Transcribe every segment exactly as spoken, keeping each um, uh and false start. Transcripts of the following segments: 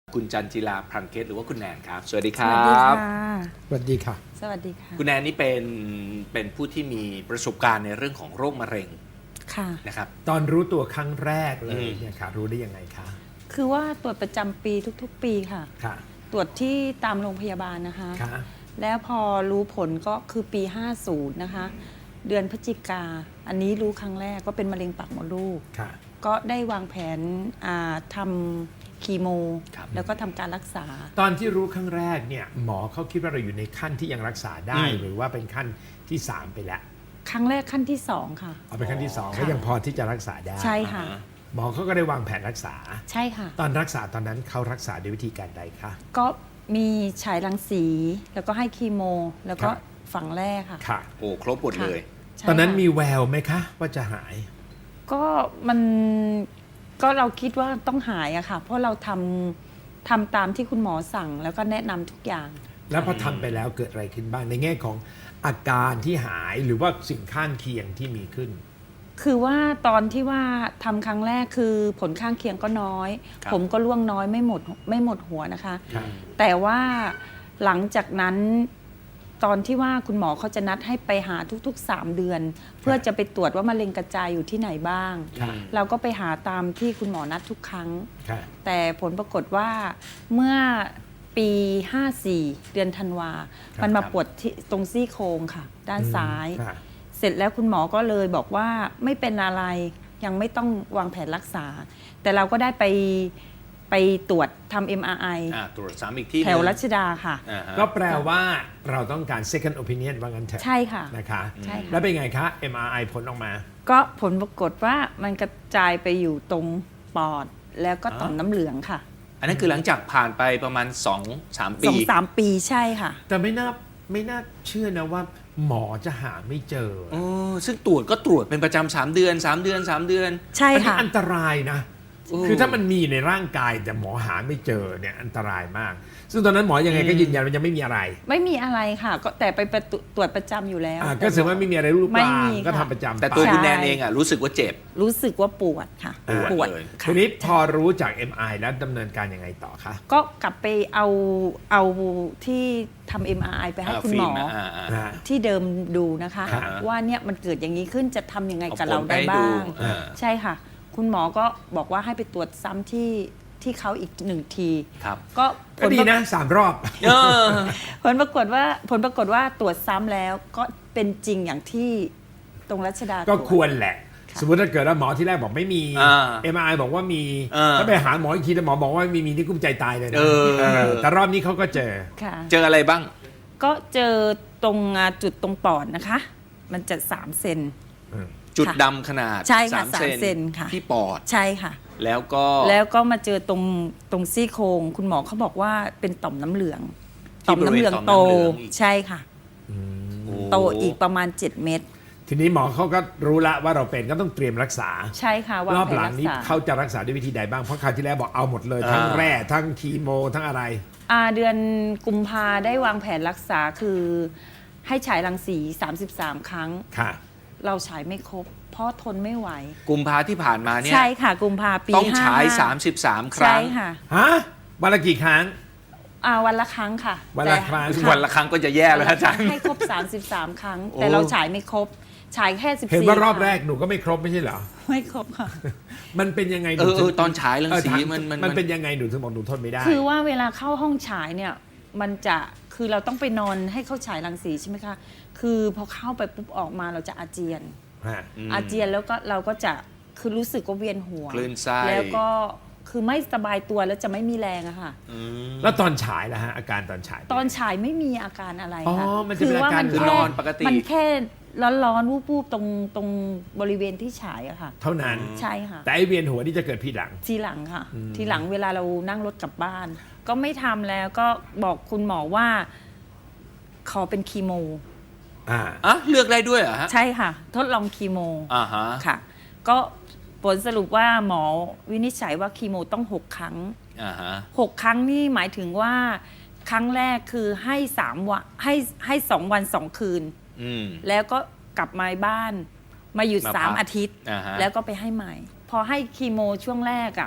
คุณจันจิลาพรังเกตหรือว่าคุณแนนครับสวัสดีครัสวัสดีบค่ะสวัสดีค่ะสวัสดีค่ะคุณแนนนี่เป็นเป็นผู้ที่มีประสบการณ์ในเรื่องของโรคมะเร็งค่ะนะครับตอนรู้ตัวครั้งแรกเลอืยมเนี่ยค่ะรู้ได้ยังไงคะคือว่าตรวจประจำปีทุกๆ ปีค่ะค่ะตรวจที่ตามโรงพยาบาลนะคะค่ะแล้วพอรู้ผลก็คือปี ห้าสิบ นะคะ เดือนพฤศจิกา อันนี้รู้ครั้งแรกก็เป็นมะเร็งปากมดลูกค่ะก็ได้วางแผนอ่าทำคีโมครับแล้วก็ทำการรักษาตอนที่รู้ครั้งแรกเนี่ยหมอเขาคิดว่าเราอยู่ในขั้นที่ยังรักษาได้อืมหรือว่าเป็นขั้นที่สามไปแล้วครั้งแรกขั้นที่สองค่ะเอาเป็นขั้นที่สองค่ะก็ยังพอที่จะรักษาได้ใช่ค่ะอ่าฮหมอเขาก็ได้วางแผนรักษาใช่ค่ะตอนรักษาตอนนั้นเขารักษาด้วยวิธีการใดคะก็มีฉายรังสี แล้วก็ให้คีโม แล้วก็ครับฝังแรกค่ะค่ะโอ้ครบหมดเลยใช่ตอนนั้นค่ะมีแววไหมคะ ว่าจะหายก็มันก็เราคิดว่าต้องหายอะค่ะ เพราะเราทำทำตามที่คุณหมอสั่ง แล้วก็แนะนำทุกอย่างแล้วพอทำไปแล้วเกิดอะไรขึ้นบ้างในแง่ของอาการที่หายหรือว่าสิ่งข้างเคียงที่มีขึ้นคือว่าตอนที่ว่าทำครั้งแรกคือผลข้างเคียงก็น้อยครับผมก็ร่วงน้อยไม่หมดไม่หมดหัวนะคะครับแต่ว่าหลังจากนั้นตอนที่ว่าคุณหมอเขาจะนัดให้ไปหาทุกๆ สาม เดือน เพื่อจะไปตรวจว่ามะเร็งกระจายอยู่ที่ไหนบ้างค่ะเราก็ไปหาตามที่คุณหมอนัดทุกครั้งค่ะแต่ผลปรากฏว่าเมื่อปี ห้าสี่ เดือนธันวาครับมันมาครับปวดที่ตรงซี่โครงค่ะ ด้านซ้ายค่ะเสร็จแล้วคุณหมอก็เลยบอกว่าไม่เป็นอะไรยังไม่ต้องวางแผนรักษา แต่เราก็ได้ไปไปตรวจทำ เอ็ม อาร์ ไออ่าตรวจซ้ำอีกที่แถวรัชดาค่ะอ่าฮะก็แปลว่าเราต้องการ second opinion ว่างั้นเถอะใช่ค่ะนะคะใช่ค่ะแล้วเป็นไงคะ เอ็ม อาร์ ไอ ผลออกมาก็ผลปรากฏว่ามันกระจายไปอยู่ตรงปอด แล้วก็ต่อมน้ำเหลืองค่ะอันนั้นคือหลังจากผ่านไปประมาณสองสามสปีองสามปีใช่ค่ะแต่ไม่น่าไม่น่าเชื่อนะว่าหมอจะหาไม่เจอโอ้ซึ่งตรวจก็ตรวจเป็นประจำสามเดือนสามเดือนสามเดือนใช่อันี้ค่ะอันตรายนะโอ้คือถ้ามันมีในร่างกายแต่หมอหาไม่เจอเนี่ยอันตรายมาก ซึ่งตอนนั้นหมอยังไงก็ยืนยันว่ายังไม่มีอะไรไม่มีอะไรค่ะ ก็แต่ไปประตูตรวจประจำอยู่แล้วอ่าก็แสดงว่าไม่มีอะไรรูปไม่ร่างมีก็ค่ะทำประจำแต่ตัวไปคุณแนนเองอ่ะรู้สึกว่าเจ็บรู้สึกว่าปวดค่ะปวดเลยค่ะทีนี้พอรู้จาก เอ็ม ไอ แล้วดำเนินการยังไงต่อคะก็กลับไปเอาเอาที่ทำ เอ็ม อาร์ ไอ ไปให้อ่าคุณฟิหมล์อมนะอ่าอ่าอ่าที่เดิมดูนะคะอ่าว่าเนี่ยมันเกิดอย่างนี้ขึ้นจะทำยังไงเอากับผเราลไปได้ให้บ้าดูงอ่าใช่ค่ะ คุณหมอก็บอกว่าให้ไปตรวจซ้ำที่ที่เขาอีกหนึ่งทีครับก็ผก็ลดีปรานะสามรอบเออผลปรากฏว่าผลปรากฏว่าตรวจซ้ำแล้วก็เป็นจริงอย่างที่ตรงรัชดาก็ตรวจควรแหละค่ะสมมติถ้าเกิดว่าหมอที่แรกบอกไม่มีอ่าเอ็ม ไอ บอกว่ามีอ่าถ้าไปหาหมออีกทีแต่หมอบอกว่าไม่มีมีนี่กุ้มใจตายเลยนะเออเออแต่รอบนี้เขาก็เจอค่ะเจออะไรบ้างก็เจอตรงอ่าจุดตรงปอดนะคะ มันจะสามเซนจุดค่ะดำขนาดใช่ค่ะสามสามเซนค่ะที่ปอดใช่ค่ะแล้วก็แล้วก็มาเจอตรงตรงซี่โครงคุณหมอเขาบอกว่าเป็นต่อมน้ำเหลืองที่บริเวณโตต่อมน้ำเหลืองอีกใช่ค่ะโอ้โตอีกประมาณ เจ็ด เม็ดทีนี้หมอเขาก็รู้ละว่าเราเป็นก็ต้องเตรียมรักษาใช่ค่ะวางรอบแผนหลัรังกนี้ษาเขาจะรักษาด้วยวิธีใดบ้างเพราะคราวที่แล้วบอกเอาหมดเลย ทั้งอ่าแร่ทั้งคีโมทั้งอะไรอ่าเดือนกุมภาได้วางแผนรักษาคือให้ฉายรังสี สามสิบสาม ครั้งค่ะเราฉายไม่ครบ เพราะทนไม่ไหวกุมภาที่ผ่านมาเนี่ยใช่ค่ะ กุมภาปีต้องฉายห้ห้สามสิบสาม คใช่รั้งค่ะฮะวันละกี่ครั้งอ่าวันละครั้งค่ะวันละครั้งแต่วันละครั้งก็จะแย่แล้วอาจารย์ให้ครบ สามสิบสาม ครั้งโอ้แต่เราฉายไม่ครบ ฉายแค่สิบสี่เห็นว่ารอบคงแรกหนูก็ไม่ครบไม่ใช่เหรอไม่ครบค่ะมันเป็นยังไงหเอนูอเอถึอง ตอนฉายรังสีเออถามันมันมันเป็นยังไงหนูถึงบอกหนูทนไม่ได้คือว่าเวลาเข้าห้องฉายเนี่ยมันจะคือเราต้องไปนอนให้เขาฉายรังสีใช่ไหมคะคือพอเข้าไปปุ๊บออกมาเราจะอาเจียนฮะมอาเจียนแล้วก็เราก็จะคือรู้สึกว่าเวียนหัวคลื่นไส้แล้วก็คือไม่สบายตัวแล้วจะไม่มีแรงอะค่ะอืมแล้วตอนฉายล่ะฮะอาการตอนฉายตอนฉายไม่มีอาการอะไรอ๋อค่ะมันจะเป็นอาการคือนอนปกติมันแค่ร้อนๆวูบๆตรงตรงบริเวณที่ฉายอะค่ะเท่านั้นใช่ค่ะแต่ไอเวียนหัวนี่จะเกิดทีหลังทีหลังค่ะ ทีหลังเวลาเรานั่งรถกลับบ้าน ก็ไม่ทำแล้วก็บอกคุณหมอว่าขอเป็นคีโมอ่าอ่ะเลือกได้ด้วยเหรอฮะใช่ค่ะ ทดลองคีโมอ่าฮะค่ะ ก็ผลสรุปว่าหมอวินิจฉัยว่าคีโมต้องหกครั้งอ่าฮะหกครั้งนี่หมายถึงว่าครั้งแรกคือให้สามวันให้ให้สองวันสองคืนอืมแล้วก็กลับมาบ้านมาหยุดมาพักสามอาทิตย์อ่าฮะแล้วก็ไปให้ใหม่ พอให้คีโมช่วงแรกอะ่ะ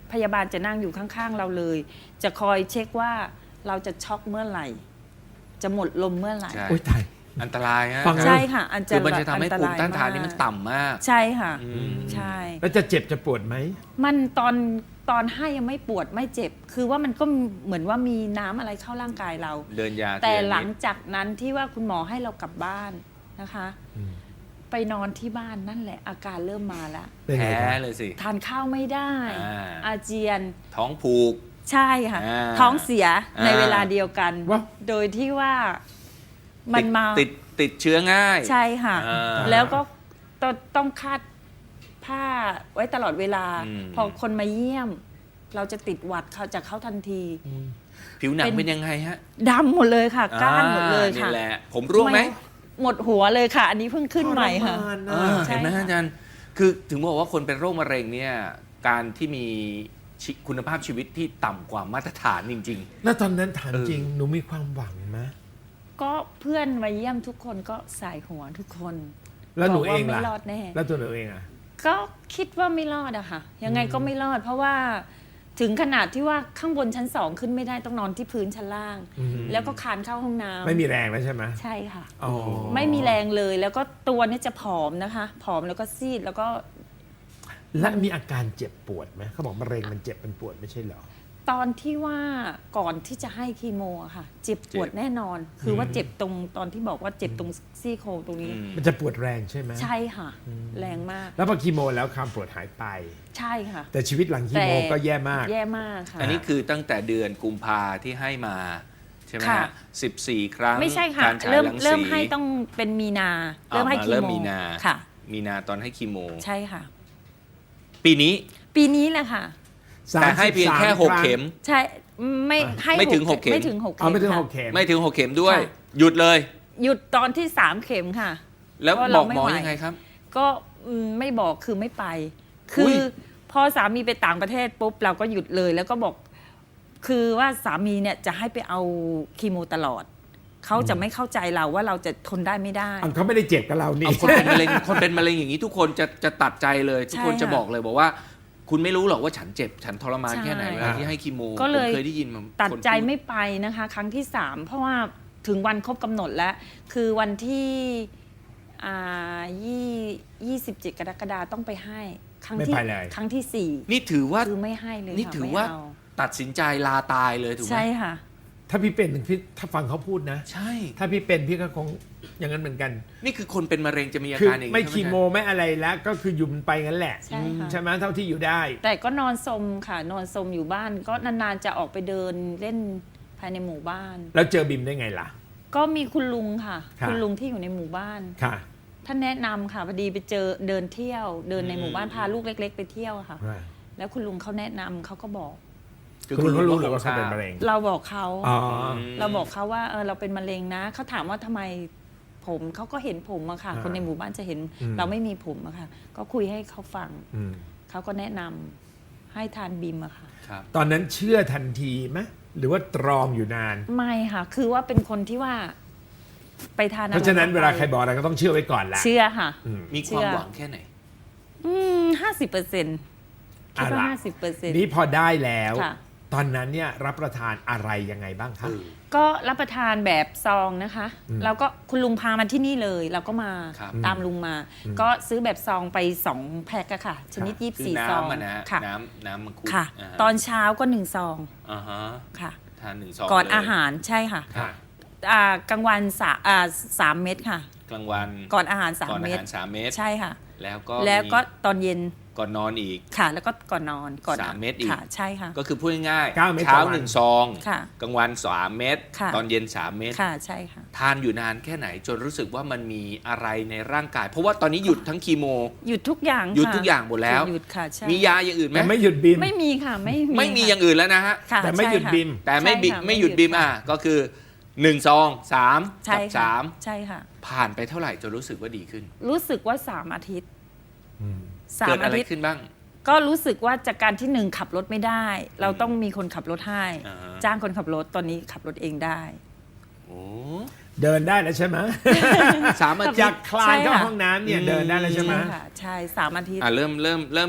พยาบาลจะนั่งอยู่ข้างๆเราเลย จะคอยเช็คว่าเราจะช็อกเมื่อไหร่ จะหมดลมเมื่อไหร่ใช่โอ้ยตายอันตรายฮะฟังใช่ค่ะ อันจะคือมันจะทำให้อัภูมิต้านทานนี่มันต่ำมากใช่ค่ะอืมใช่แล้วจะเจ็บจะปวดไหมมันตอนตอนให้ยังไม่ปวดไม่เจ็บ คือว่ามันก็เหมือนว่ามีน้ำอะไรเข้าร่างกายเราเดินยาแต่ทีละนิดหลังจากนั้นที่ว่าคุณหมอให้เรากลับบ้านนะคะอืมไปนอนที่บ้านนั่นแหละ อาการเริ่มมาแล้วเป็นไงแพ้ครับเลยสิทานข้าวไม่ได้อ่าอาเจียนท้องผูกใช่ค่ะอ่าท้องเสียในอ่าเวลาเดียวกันว้าวโดยที่ว่ามันมาติดติดเชื้อง่ายใช่ค่ะอ่าแล้วก็ต้องต้องคาดผ้าไว้ตลอดเวลาอืมพอคนมาเยี่ยม เราจะติดหวัดเขาจากเขาทันทีผิวหนังเป็นเป็นยังไงฮะดำหมดเลยค่ะ ก้านหมดเลยอ่าค่ะนี่แหละ ผมร่วงไหมหมดหัวเลยค่ะ อันนี้เพิ่งขึ้นใหม่ค่ะทรมานเอนะอใช่เห็นไหมค่ะอาจารย์ คือถึงบอกว่าคนเป็นโรคมะเร็งเนี่ย การที่มีชีคุณภาพชีวิตที่ต่ำกว่ามาตรฐานจริงแล้วตอนนั้นถามเออจริง หนูมีความหวังไหมก็เพื่อนมาเยี่ยมทุกคนก็สายหัวทุกคนแล้วหนูบกเองไม่ล่ะรอดแน่แล้วตัวหนูเองอ่ะก็คิดว่าไม่รอดอะค่ะ ยังไงก็ไม่รอด เพราะว่าถึงขนาดที่ว่าข้างบนชั้นสองขึ้นไม่ได้ต้องนอนที่พื้นชั้นล่างอืมแล้วก็คลานเข้าห้องน้ำไม่มีแรงแล้วใช่ไหมใช่ค่ะอ๋อไม่มีแรงเลย แล้วก็ตัวเนี่ยจะผอมนะคะ ผอมแล้วก็ซีดแล้วก็และมีอาการเจ็บปวดไหมเขาบอกมะเร็งมันเจ็บมันปวดไม่ใช่เหรอตอนที่ว่าก่อนที่จะให้คีโมอะค่ะ เจ็บปวดเจ็บแน่นอน คือว่าเจ็บตรงตอนที่บอกว่าเจ็บตรงซี่โครงตรงๆนี้อืมมันจะปวดแรงใช่ไหมใช่ค่ะ แรงมากแล้วพอคีโมแล้วความปวดหายไปใช่ค่ะแต่ชีวิตหลังคีโมแต่ก็แย่มากแย่มากค่ะอันนี้คือตั้งแต่เดือนกุมภาที่ให้มา ใช่ไหมค่ะฮะสิบสี่ครั้งไม่ใช่ค่ะการฉายเริ่มรังสีเริ่มให้ต้องเป็นมีนาอ่าเริ่มให้มาคีเริ่มโมมีนาค่ะมีนาตอนให้คีโมใช่ค่ะปีนี้ปีนี้แหละค่ะแต่ให้เพียงแค่หกสามสิบสามเข็มใช่ไม่ให้ไม่ถึงหกเข็มไม่ถึงหกเอาเข็มไม่ถึงค่ะหกเข็มไม่ถึงหกเข็มด้วยค่ะหยุดเลยหยุดตอนที่สามเข็มค่ะแล้วเพราะบเราอกไม่หมอไหวยังไงครับก็อืมไม่บอกคือไม่ไป คืออุ๊ยพอสามีไปต่างประเทศปุ๊บเราก็หยุดเลย แล้วก็บอก คือว่าสามีเนี่ยจะให้ไปเอาคีโมตลอด เขาจะไม่เข้าใจเราว่าเราจะทนได้ไม่ได้อ่ะเขาไม่ได้เจ็บกับเรานี่เอาคนเป็นมะเร็งคนเป็นมะเร็งอย่างนี้ทุกคนจะจะตัดใจเลย ทุกคนใช่จะค่ะบอกเลยบอกว่า คุณไม่รู้หรอกว่าฉันเจ็บ ฉันทรมานใช่แค่ไหนเวลาที่ให้คีโมก็เลยผมเคยได้ยินมาตัดคนใจพูไม่ไปนะคะ ครั้งที่สามเพราะว่าถึงวันครบกำหนดแล้ว คือวันที่อ่ายี่ยี่สิบเจ็ดกรกฎาคมต้องไปให้ ครั้งไม่ที่ไปเลยครั้งที่สี่นี่ถือว่าคือไม่ให้เลยนี่ค่ะถือไม่ว่าเอตัดสินใจลาตายเลยถูกไหมใช่ค่ะถ้าพี่เป็นพี่ถ้าฟังเขาพูดนะใช่ถ้าพี่เป็นพี่ก็คงอย่างนั้นเหมือนกันนี่คือคนเป็นมะเร็งจะมีอาคือการอย่างนี้ไม่ใช่หคีโมไม่อะไรแล้ว ก็คืออยู่มันไปงั้นแหละใช่ค่ะใช่ไหมเท่าที่อยู่ได้แต่ก็นอนสมค่ะ นอนสมอยู่บ้าน ก็นานๆจะออกไปเดินเล่นภายในหมู่บ้านแล้วเจอบิมได้ไงล่ะก็มีคุณลุงค่ะค่ะคุณลุงที่อยู่ในหมู่บ้านค่ะท่านแนะนำค่ะพอดีไปเจอเดินเที่ยว เดินในหมู่บ้านพาลูกเล็ก ๆ ไปเที่ยวค่ะ แล้วคุณลุงเขาแนะนำเขาก็บอกคือคุณเขารู้หรือก็ว่าเขาเป็นมะเร็งเราบอกเขาอ๋อเราบอกเขาว่าเออเราเป็นมะเร็งนะเขาถามว่าทำไมผมเขาก็เห็นผมอะค่ะอ่าคนในหมู่บ้านจะเห็นอืมเราไม่มีผมอะค่ะ ก็คุยให้เขาฟังอืมเขาก็แนะนำให้ทานบิมอะค่ะครับตอนนั้นเชื่อทันทีไหมหรือว่าตรองอยู่นานไม่ค่ะ คือว่าเป็นคนที่ว่า ไปทานอเพราะฉะนั้นเวลาใครบอกอะไรก็ต้องเชื่อไว้ก่อนแหละเชื่อค่ะอืมมีความหวังแค่ไหนอืมห้าสิบเปอร์เซ็นต์คิดว่าอ่ะล่ะห้าสิบเปอร์เซ็นต์นี่พอได้แล้วค่ะตอนนั้นเนี่ยรับประทานอะไรยังไงบ้างคะเออก็รับประทานแบบซองนะคะอืมแล้วก็คุณลุงพามาที่นี่เลย เราก็มาครับตามลุงมาอืมก็ซื้อแบบซองไปสองแพ็คอะค่ะ ชนิดค่ะยี่สิบคือสี่ซองน้ำอะนะฮะค่ะน้ำน้ำมังคุดค่ะาฮะตอนเช้าก็หนึ่งซองอ่าฮะค่ะทานหนึ่งซองก่อนเลยอาหารใช่ค่ะค่ะอ่ากลางวันสาอ่าสามเม็ดค่ะกลางวันก่อนอาหารสามก่อนอาเม็ดหารสามเม็ดใช่ค่ะแล้วก็แล้วก็มีตอนเย็นก่อนนอนอีกค่ะ แล้วก็ก่อนนอนก่อนสามเม็ดอีกค่ะ ใช่ค่ะก็คือพูดง่ายเก้าเม็ดเช้าต่อวันหนึ่งซองค่ะกลางวันสามเม็ดค่ะตอนเย็นสามเม็ดค่ะใช่ค่ะทานอยู่นานแค่ไหนจนรู้สึกว่ามันมีอะไรในร่างกาย เพราะว่าตอนนี้หยุดทั้งคีโมหยุดทุกอย่างหยุดค่ะทุกอย่างหมดแล้วหยุดค่ะใช่มียาอย่างอื่นไหมแต่ไม่หยุดบิมไม่มีค่ะไม่มีไม่มีค่ะอย่างอื่นแล้วนะฮะค่ะแต่ไม่หยุดใช่ค่ะบิมแต่ไม่บิใช่ค่ะไม่หยุดไม่หยุดบิมค่ะอ่ะก็คือหนึ่งซองสามใช่กับค่ะสามใช่ค่ะผ่านไปเท่าไหร่จนรู้สึกว่าดีขึ้นรู้สึกว่าสามอาทิตย์อืมสาเกิมดอาอะไรทิตย์ขึ้นบ้างก็รู้สึกว่าจากการที่หนึ่งขับรถไม่ได้ เราต้องมีคนขับรถให้อ่าฮะจ้างคนขับรถตอนนี้ขับรถเองได้โอ้เดินได้แล้วใช่ไหมสามอาทิจาตกย์คลานเข้าใช่ค่ะห้องน้ำเนี่ยเดินได้แล้วใช่ไหมใช่ค่ะ ใช่สามอาทิตย์อ่ะเริ่มเริ่มเริ่ม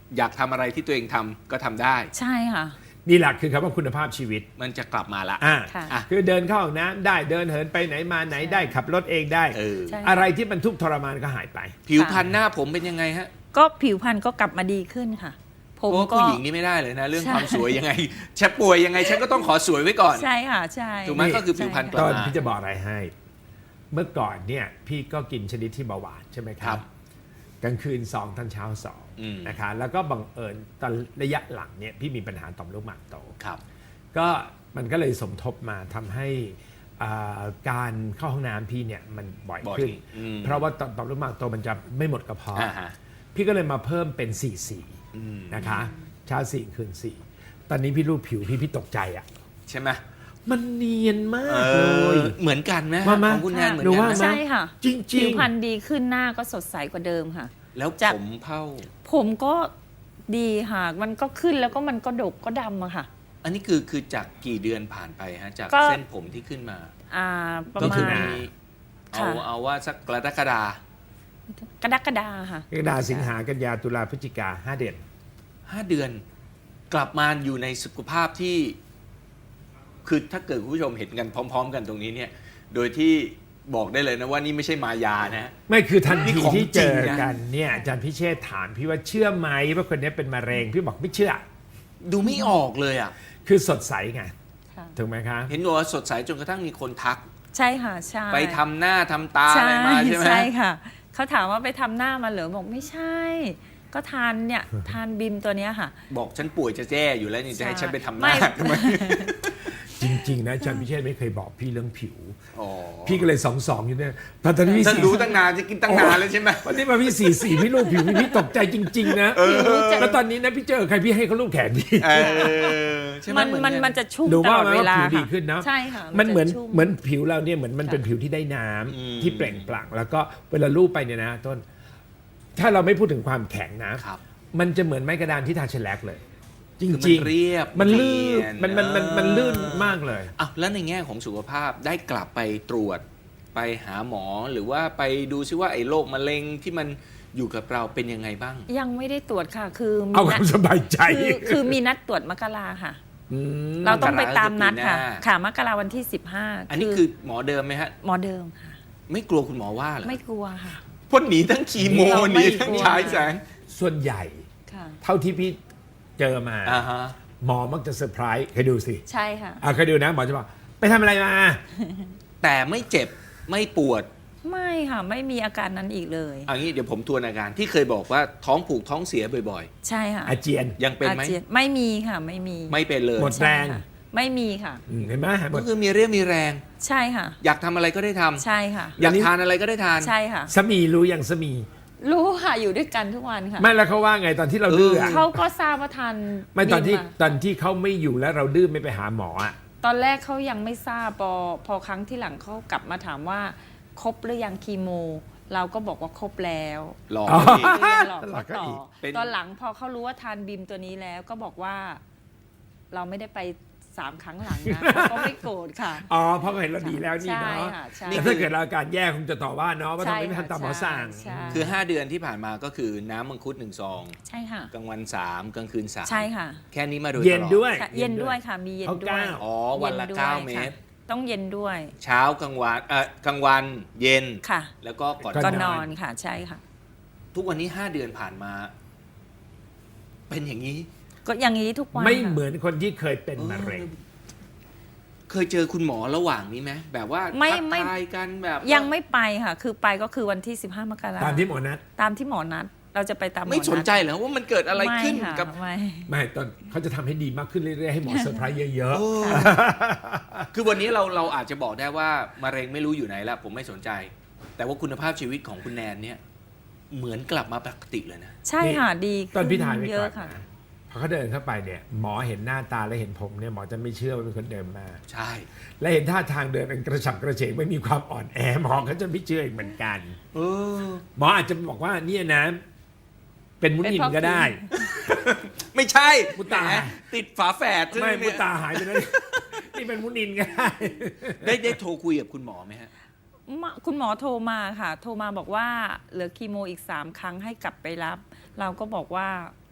อยากทำอะไรที่ตัวเองทำก็ทำได้ใช่ค่ะนี่แหละคือคำว่าคุณภาพชีวิตมันจะกลับมาละอ่าค่ะอ่ะคือเดินเข้าห้องน้ำได้เดินเหินไปไหนมาไหนได้ขับรถเองได้เออใช่อะไรที่มันทุกข์ทรมานก็หายไปผิวพรรณหน้าผมเป็นยังไงฮะก็ผิวพรรณก็กลับมาดีขึ้นค่ะ ผเพมราะว่าก็ผู้หญิงนี่ไม่ได้เลยนะ เรื่องใช่ความสวยยังไงฉันป่วยยังไงฉันก็ต้องขอสวยไว้ก่อนใช่ค่ะใช่ถูกไหมนี่ก็คือผิวพรรณกลัตบอนมาพี่จะบอกอะไรให้ เมื่อก่อนเนี่ยพี่ก็กินชนิดที่เบาหวานใช่ไหมคครัรับบกลางคืนสองตอนเช้าสองอืมนะคะแล้วก็บังเอิญตอนระยะหลังเนี่ยพี่มีปัญหาต่อมลูกหมากโตครับก็มันก็เลยสมทบมาทำให้อ่าการเข้าห้องน้ำพี่เนี่ยมันบ่อยบ่อยขึ้นอืมเพราะว่าต่อต่อมลูกหมากโตมันจะไม่หมดกระเพาะอ่าฮะพี่ก็เลยมาเพิ่มเป็นสี่สี่อืมนะคะเช้าสี่คืนสี่ตอนนี้พี่รูปผิวพี่พี่ตกใจอ่ะใช่ไหมมันเนียนมาเอกเลอย เหมือนกันไหมว่ามาของคุณแนนเหมือนหรือกันว่าไหมมาใช่ค่ะจริงผิวพรรณดีขึ้นหน้าก็สดใสกว่าเดิมค่ะแล้วจากผมเผ่าผมก็ดีค่ะ มันก็ขึ้นแล้วก็มันก็ดกก็ดำอะค่ะอันนี้คือคือจากกี่เดือนผ่านไปฮะจากก็เส้นผมที่ขึ้นมาอ่าประก็มาคือณมีเอาค่ะเอาว่าสักกรกฎากระดักกระดาค่ะกรกฎาสิงหากันยาตุลาพฤศจิกาห้าเดือนห้าเดือน กลับมาอยู่ในสุขภาพที่ คือถ้าเกิดคุณผู้ชมเห็นกันพร้อม ๆ กันตรงนี้เนี่ย โดยที่บอกได้เลยนะว่านี่ไม่ใช่มายานะไม่คือทันนี่ทีของที่เจอจริงนะกันเนี่ยอาจารย์พิเชษฐ์ถามพี่ว่าเชื่อไหมว่าคนนี้เป็นมะเร็งพี่บอกไม่เชื่อดูไม่ออกเลยอ่ะคือสดใสไงค่ะถูกไหมคะเห็นบอกว่าสดใสจนกระทั่งมีคนทักใช่ค่ะใช่ไปทำหน้าทำตาอะไรมาใช่ไหมใช่ค่ะ เขาถามว่าไปทำหน้ามาเหรอบอกไม่ใช่ ก็ทานเนี่ย ทานบิมตัวเนี้ยค่ะบอกฉันป่วยจะแจ้อยู่แล้วนี่จะให้ฉันไปทำหไม่น้าทำไมจริง ๆ นะอาจารย์พิเชษฐ์ไม่เคยบอกพี่เรื่องผิวอ๋อพี่ก็เลยสองสองอยู่เนี่ยตอนตอนนี้พี่ฉันสี่รู้ตั้งนานจะกินตั้งนานแล้วใช่ไหมวันนี้มาพี่สี่สี่พี่รูปผิวพี่ตกใจจริง ๆ นะรู้จักแล้วตอนนี้นะพี่เจอใครพี่ให้เขารูปแขนพี่เออใช่ไหมันเหอมันกัมันจะชุ่มหนูตว่าลอดมันเวว่าลาผิวดีค่ะขึ้นเนาะใช่ค่ะมันเหมือนจะชุ่เหมือนผิวเราเนี่ยเหมือนมันเป็นผิวที่ได้น้ำอืมที่เปล่งปลั่งแล้วก็เวลาลูบไปเนี่ยนะต้น ถ้าเราไม่พูดถึงความแข็งนะครับมันจะเหมือนไม้กระดานที่ทาเชลแลกเลย จคือมันริงเรียบมันลื่นเนียนมันมันมันมันลื่นเออมากเลยอ่ะแล้วในแง่ของสุขภาพได้กลับไปตรวจไปหาหมอหรือว่าไปดูซิว่าไอ้โรคมะเร็งที่มันอยู่กับเราเป็นยังไงบ้างยังไม่ได้ตรวจค่ะ คือมีเอาคนัวาดมสบายใจคือคือมีนัดตรวจมกราค่ะมเราต้องไปตามนัดค่ะมกราคือปีหน้าค่ะมกราวันที่สิบห้าอันนี้คือหมอเดิมไหมฮะหมอเดิมค่ะไม่กลัวคุณหมอว่าเหรอไม่กลัวค่ะพ่นหนีทั้งคีโมเราหไม่นีทั้งกลัวฉายแสงส่วนใหญ่ค่ะเท่าที่พี่เจอมาอ่าฮะหมอมักจะเซอร์ไพรส์เคยดูสิใช่ค่ะอ่ะเคยดูนะหมอจะบอกไปทำอะไรมาแต่ไม่เจ็บไม่ปวดไม่ค่ะ ไม่มีอาการนั้นอีกเลยเอันนี้เดี๋ยวผมทวนอาการที่เคยบอกว่าท้องผูกท้องเสียบ่อยใช่ค่ะอาเจียนๆ ยังเป็นไหมอาจียไม่มีค่ะไม่มีไม่เป็นเลยหมดใช่ค่ะไม่มีค่ะอืมเห็นไหมหมก็ดคือมีเรี่ยวมีแรงใช่ค่ะอยากทำอะไรก็ได้ทำใช่ค่ะอยากทานอะไรก็ได้ทานใช่ค่ะสามีรู้อย่างสามีรู้ค่ะอยู่ด้วยกันทุกวันค่ะไม่แล้วเขาว่าไงตอนที่เราดื้ออะเขาก็ทราบว่าทานไม่ตอนที่บิมาตอนที่เขาไม่อยู่แล้วเราดื้อไม่ไปหาหมออ่ะตอนแรกเขายังไม่ทราบพอพอครั้งที่หลังเขากลับมาถามว่าครบหรือยังคีโม เราก็บอกว่าครบแล้วหลอกอ๋อเขาอีกคือยังหลอกหลอเขากเขาต่ออีกเป็นตอนหลังพอเขารู้ว่าทานบิมตัวนี้แล้วก็บอกว่า เราไม่ได้ไปสามครั้งหลังนะเขาก็ไม่โกรธค่ะอ๋อเพราะเขาเห็นเราดีแล้วนี่ใช่เนาะค่ะใช่แต่ถ้าเกิดเราอาการแย่คงจะต่อว่าเนาะว่าทำไมไม่ใช่ค่ะทำตามหมอสั่งใช่คือ ห้า เดือนที่ผ่านมาก็คือน้ำมังคุดหนึ่งซองใช่ค่ะกลางวันสามกลางคืนสามใช่ค่ะแค่นี้มาโดยตลอดเย็นด้วยค่ะเย็นด้วยค่ะ มีเย็นเอาด้วยเก้าอ๋อวันละย็ด้วยเก้าค่ะเมตรต้องเย็นด้วยเช้ากลางวันเอ่อกลางวันเย็นค่ะแล้วก็ก่อนก่ก็นนนออนนค่ะ ใช่ค่ะทุกวันนี้ห้าเดือนผ่านมา เป็นอย่างนี้ก็อย่างนี้ทุกวันไม่ค่ะเหมือนคนที่เคยเป็นมะเร็งเคยเจอคุณหมอระหว่างนี้ไหมแบบว่าไม่ทักไม่ทายกันแบบยังไม่ไปค่ะ คือไปก็คือวันที่สิบห้ามกราตามที่หมอนัดตามที่หมอนัด เราจะไปตามหมอไม่นัดสนใจเหรอว่ามันเกิดอะไรขึ้นม่ค่ะกับไม่ไม่ตอนเขาจะทำให้ดีมากขึ้นเรื่อยๆให้หมอเซอร์ไพรส์เยอะโอ้คือวันนี้เราเราอาจจะบอกได้ว่ามะเร็งไม่รู้อยู่ไหนแล้วผมไม่สนใจ แต่ว่าคุณภาพชีวิตของคุณแนนเนี่ย เหมือนกลับมาปกติเลยนะใช่ค่ะดีๆ ตอนพี่ถ่ายไปเยก่ออะนค่ะนะพอเขาเดินเข้าไปเนี่ยหมอเห็นหน้าตาและเห็นผมเนี่ยหมอจะไม่เชื่อว่าเป็นคนเดิมมาใช่และเห็นท่าทางเดินเป็นกระฉับกระเฉงไม่มีความอ่อนแอหมอเขาจะไม่เชื่ออีกเหมือนกันเออหมออาจจะบอกว่าเนี่ยนะ เป็นมุนินก็ได้ไม่ใช่มุตาแหติดฝาแฝดใช่ไหไม่เนี่ยมุตาหายไปแล้วนี่เป็นมุนินก็ได้ได้ได้โทรคุยกับคุณหมอไหมฮะมาคุณหมอโทรมาค่ะ โทรมาบอกว่าเหลือคีโมอีกสามครั้งให้กลับไปรับ เราก็บอกว่า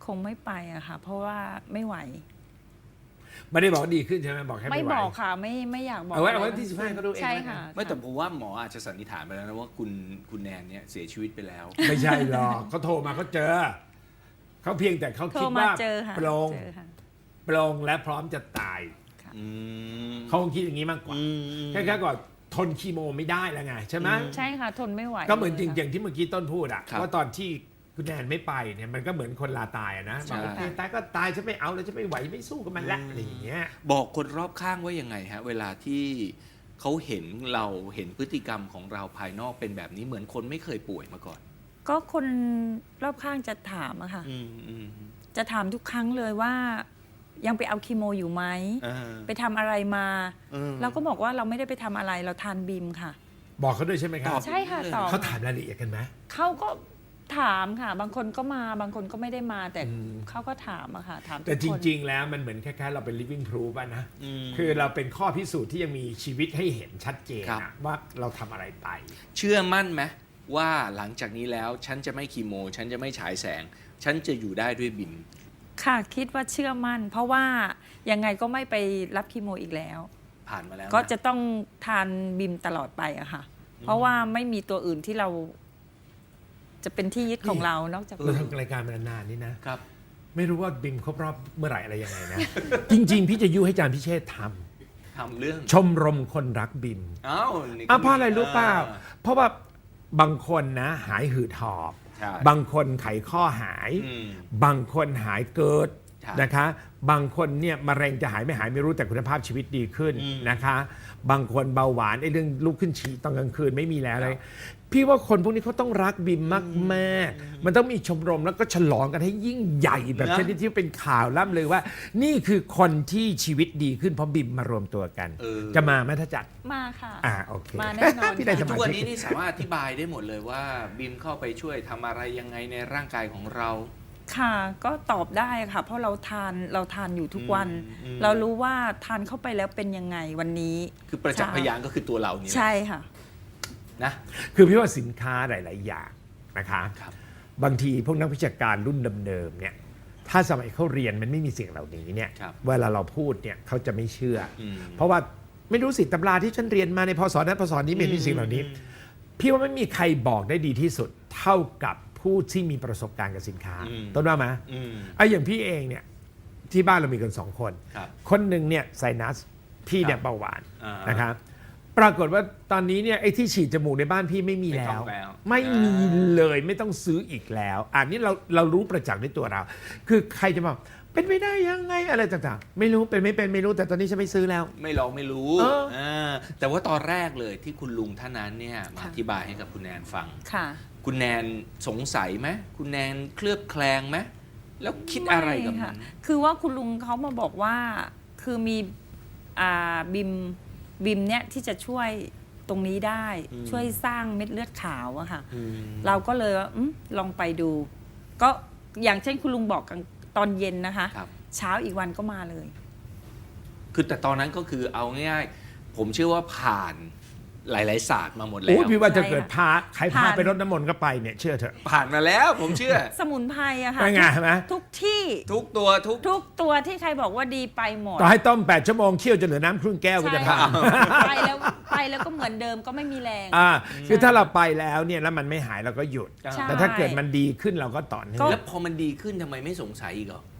คงไม่ไปอะค่ะ เพราะว่าไม่ไหวไม่ได้บอกว่าดีขึ้นใช่ไหมบอกแค่ไม่ไม่ไหวบอกค่ะไม่ไม่อยากบอกเอาไว้เอาไว้ะรที่สิบห้าก็ดูเองใช่แล้วกันค่ะไม่แต่ผมว่าหมออาจจะสันนิษฐานไปแล้วนะว่าคุณคุณแนนเนี่ยเสียชีวิตไปแล้วไม่ใช่หรอกเขาโทรมาเขาเจอเขาเพียงแต่เขาโทรคิดมาว่าเจอค่ะปรงเจอค่ะปรงและพร้อมจะตายอืมเขาคงคิดอย่างนี้มากกว่าอืมแค่แค่ก่อนทนคีโมไม่ได้แล้วไงใช่ไหมอืมใช่ค่ะทนไม่ไหวก็เหมือนจริงลๆยอย่างที่เมื่อกี้ต้นพูดอะครับว่าตอนที่คุณแนนไม่ไปเนี่ยมันก็เหมือนคนลาตายอะนะใช่บอกโอเคตายก็ตายฉันไม่เอาแล้วฉันไม่ไหวไม่สู้กับมันละอะไรอย่างเงี้ยบอกคนรอบข้างว่ายังไงฮะ เวลาที่เขาเห็นเราเห็นพฤติกรรมของเราภายนอกเป็นแบบนี้เหมือนคนไม่เคยป่วยมาก่อนก็คนรอบข้างจะถามอะค่ะอืมอืมจะถามทุกครั้งเลยว่า ยังไปเอาคีโมอยู่ไหมอ่าไปทำอะไรมาอืมเราก็บอกว่าเราไม่ได้ไปทำอะไรเราทานบิมค่ะบอกเขาด้วยใช่ไหมครัตบอบใช่ค่ะตอบเขาถามรายละเอียดกันไหมเขาก็ถามค่ะ บางคนก็มาบางคนก็ไม่ได้มาแต่อืมเขาก็ถามอะค่ะ ถามทุกแต่จคนริง ๆ แล้วมันเหมือนคล้ายๆเราเป็น living proof อะนะอืมคือเราเป็นข้อพิสูจน์ที่ยังมีชีวิตให้เห็นชัดเจนครับอะว่าเราทำอะไรไปเชื่อมั่นไหมว่าหลังจากนี้แล้วฉันจะไม่คีโม ฉันจะไม่ฉายแสง ฉันจะอยู่ได้ด้วยบิมค่ะคิดว่าเชื่อมั่น เพราะว่ายังไงก็ไม่ไปรับคีโมอีกแล้วผ่านมาแล้วนก็จะต้องทานบิมตลอดไปอะค่ะ เพราะว่าไม่มีตัวอื่นที่เรา จะเป็นที่ยึดของเรานอกจากเราทำรายการมานานๆนี่นะครับไม่รู้ว่าบิมครบรอบเมื่อไหร่อะไรยังไงนะ จริง ๆ พี่จะยุให้อาจารย์พิเชษฐ์ททำเรื่องำชมรมคนรักบิมอ้าวนี่อ่ะเพราะอะไรรู้เปล่าอ่เพราะว่าบางคนนะหายหืดหอบใช่บางคนไขข้อหายอืมบางคนหายเกิดใช่นะคะ บางคนเนี่ยมะเร็งจะหายไม่หายไม่รู้แต่คุณภาพชีวิตดีขึ้นอืมนะคะ บางคนเบาหวานไอ้เรื่องลุกขึ้นฉี่ตอนกลางคืนไม่มีแล้วเลคยรับพี่ว่าคนพวกนี้เขาต้องรักบิมมากแม่มันต้องมีชมรมแล้วก็ฉลองกันให้ยิ่งใหญ่แบบนะชนิดที่เป็นข่าวล่ำเลยว่า นี่คือคนที่ชีวิตดีขึ้นเพราะบิมมารวมตัวกันเออจะมาไหมถ้าจัดมาค่ะอ่าโอเคมาแน่นอนพี่ได้สทุมากวันชิกนี้นี่สามารถอธิบายได้หมดเลยว่าบิมเข้าไปช่วยทำอะไรยังไงในร่างกายของเราค่ะ ก็ตอบได้ค่ะ เพราะเราทานเราทานอยู่ทุกวันอืมอืมเรารู้ว่าทานเข้าไปแล้วเป็นยังไงวันนี้คือประจักษ์พยานก็คือตัวเรานี่แหละใช่ค่ะนะคือพี่ว่าสินค้าหลาย ๆ อย่างนะคะครับบางทีพวกนักวิชาการรุ่นเดิมๆเนี่ยถ้าสมัยเขาเรียนมันไม่มีสิ่งเหล่านี้เนี่ยครับเวลาเราพูดเนี่ยเขาจะไม่เชื่อออืมเพราะว่าไม่รู้สิตำราที่ฉันเรียนมาในพศนั้นพศนี้ไม่มีสิ่งเหล่านี้ พี่ว่าไม่มีใครบอกได้ดีที่สุด เท่ากับผู้ที่มีประสบการณ์กับสินค้าอืมต้นว่าไหมอืมไอ้อย่างพี่เองเนี่ยที่บ้านเรามีกันสองคนครับคนหนึ่งเนี่ยไซนัสพี่เนี่ยครับเบาหวานอ่านนะครับปรากฏว่าตอนนี้เนี่ยไอ้ที่ฉีดจมูกในบ้านพี่ไม่มีไม่แล้ต้อวงแล้วไม่มีเลยไม่ต้องซื้ออีกแล้วอันนี้เราเรารู้ประจักษ์ในตัวเรา คือใครจะบอกเป็นไม่ได้ยังไงอะไรต่างๆ ไม่รู้เป็นไม่เป็นไม่รู้แต่ตอนนี้ฉันไม่ซื้อแล้วไม่ลองไม่รู้เออเออแต่ว่าตอนแรกเลยที่คุณลุงท่านนั้นเนี่ยมาค่ะอธิบายให้กับคุณแนนฟังค่ะคุณแนนสงสัยไหมคุณแนนเคลือบแคลงไหมแล้วคิดอะไรกับม่มัค่ะนคือว่าคุณลุงเขามาบอกว่า คือมีอ่าบิมบิมเนี่ยที่จะช่วยตรงนี้ได้อืมช่วยสร้างเม็ดเลือดขาวอะค่ะอืมเราก็เลยว่าอมลองไปดู ก็อย่างเช่นคุณลุงบอกกันตอนเย็นนะคะครับเช้าอีกวันก็มาเลยคือแต่ตอนนั้นก็คือเอาง่ายๆ ผมเชื่อว่าผ่านหลายๆศาสตร์มาหมดแล้โอ้วพี่ว่าจะใช่เกิดพาใครพาผ่านไปรดน้ำมนต์ก็ไปเนี่ยเชื่อเถอะผ่านมาแล้วผมเชื่อสมุนไพรอะค่ะเป็นไงเห็นไหมทุกที่ทุกตัวทุกทุกตัวที่ใครบอกว่าดีไปหมดต่อให้ต้มแปดชั่วโมงเคี่ยวจนเหลือน้ำครึ่งแก้วก็จะใช่ทานไปแล้วไปแล้วก็เหมือนเดิมก็ไม่มีแรงอ่าคือถ้าเราไปแล้วเนี่ยแล้วมันไม่หายเราก็หยุดใช่แต่ถ้าเกิดมันดีขึ้นเราก็ต่อเนื่องแล้วพอมันดีขึ้นทำไมไม่สงสัยอีกเหรอ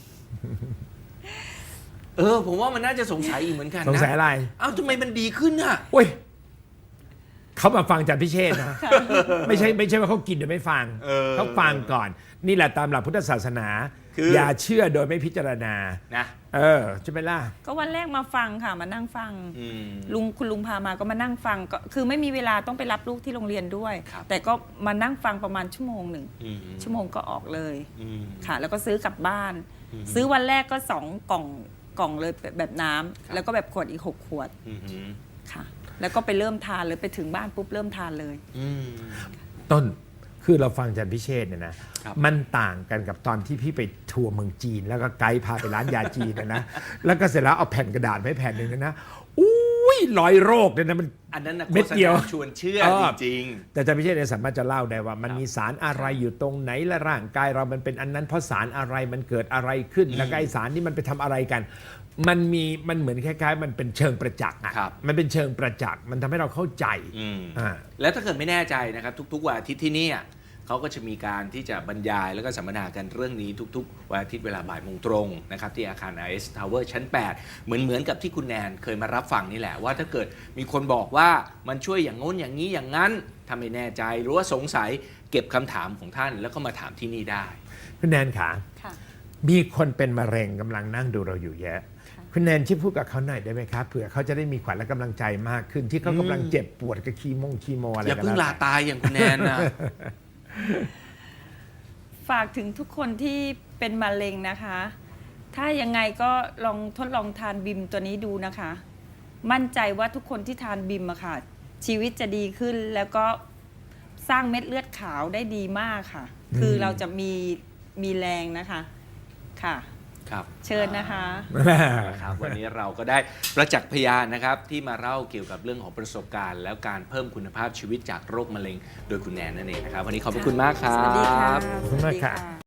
เออ ผมว่ามันน่าจะสงสัยอีกเหมือนกันนะสงสัยอะไรเอ้าทำไมมันดีขึ้นอ่ะโอ้ยเขามาฟังจากพิเชษนะ ไม่ใช่ไม่ใช่ว่าเขากินโดยไม่ฟังเออเขาฟังก่อน นี่แหละตามหลักพุทธศาสนาคืออย่าเชื่อโดยไม่พิจารณานะเออใช่ไหมล่ะก็วันแรกมาฟังค่ะมานั่งฟังอืมลุงคุณลุงพามาก็มานั่งฟังก็คือไม่มีเวลาต้องไปรับลูกที่โรงเรียนด้วยครับแต่ก็มานั่งฟังประมาณชั่วโมงหนึ่งอืมชั่วโมงก็ออกเลยอืมค่ะ แล้วก็ซื้อกลับบ้านอืมซื้อวันแรกก็สองกล่องกล่องเลยแบบแบบน้ำครับแล้วก็แบบขวดอีกหกขวดอืมอืมค่ะ แล้วก็ไปเริ่มทานเลยไปถึงบ้านปุ๊บเริ่มทานเลยอืมต้นคือเราฟังอาจารย์พิเชษเนี่ยนะครับ มันต่างกันกับตอนที่พี่ไปทัวร์เมืองจีน แล้วก็ไกด์พาไปร้านยาจีนนะนะ แล้วก็เสร็จแล้วเอาแผ่นกระดาษไปแผ่นหนึ่งนะอุ้ยร้อยโรคเนี่ยนะมันอันนั้นนะเม็ดเดียวโฆษณาชวนเชื่อเออจริงแต่อาจารย์พิเชษเนี่ยสามารถจะเล่าได้ว่ามันครับมีสารอะไรอยู่ตรงไหนและร่างกายเรามันเป็นอันนั้นเพราะสารอะไรมันเกิดอะไรขึ้นอืมแล้วก็ไอสารนี่มันไปทำอะไรกัน มันมีมันเหมือนคล้ายๆ มันเป็นเชิงประจักษ์อ่ะครับมันเป็นเชิงประจักษ์มันทำให้เราเข้าใจๆอืมอ่าแล้วถ้าเกิดไม่แน่ใจนะครับ ทุกๆวันอาทิตย์ที่เนี่ยเขาก็จะมีการที่จะบรรยายแล้วก็สัมมนากันเรื่องนี้ทุกๆวันอาทิตย์เวลาบ่ายโมงตรงนะครับที่อาคาร ไอ เอส Tower ชั้น แปด เหมือนเหมือนกับที่คุณแนนเคยมารับฟังนี่แหละว่าถ้าเกิดมีคนบอกว่ามันช่วยอย่างโน้นอย่างนี้อย่างนั้นถ้าไม่แน่ใจหรือว่าสงสัยเก็บคำถามของท่านแล้วก็มาถามที่นี่ได้คุณแนนขาค่ะมีคนเป็นมะเร็งกำลังนั่งดูเราอยู่เยอะค่ะคุณแนนช่วยพูดกับเขาหน่อยได้ไหมครับเผื่อเขาจะได้มีขวัญและกำลังใจมากขึ้นที่เขากำลังเจ็บปวดกับคีโมงคีโมอะไรอย่ากันเพิ่งแล้วลาตายอย่างคุณแนนนะฝากถึงทุกคนที่เป็นมะเร็งนะคะ ถ้ายังไงก็ลองทดลองทานบิมตัวนี้ดูนะคะ มั่นใจว่าทุกคนที่ทานบิมอะค่ะ ชีวิตจะดีขึ้นแล้วก็สร้างเม็ดเลือดขาวได้ดีมากค่ะ คือเราจะมีมีแรงนะคะค่ะครับเชิญนะคะนะครับวันนี้เราก็ได้ประจักษ์พยานนะครับที่มาเล่าเกี่ยวกับเรื่องของประสบการณ์ แล้วการเพิ่มคุณภาพชีวิตจากโรคมะเร็งโดยคุณแนนนั่นเองนะครับวันนี้ขอบพระคุณมากครับสวัสดีค่ะขอบคุณมากค่ะสวัสดี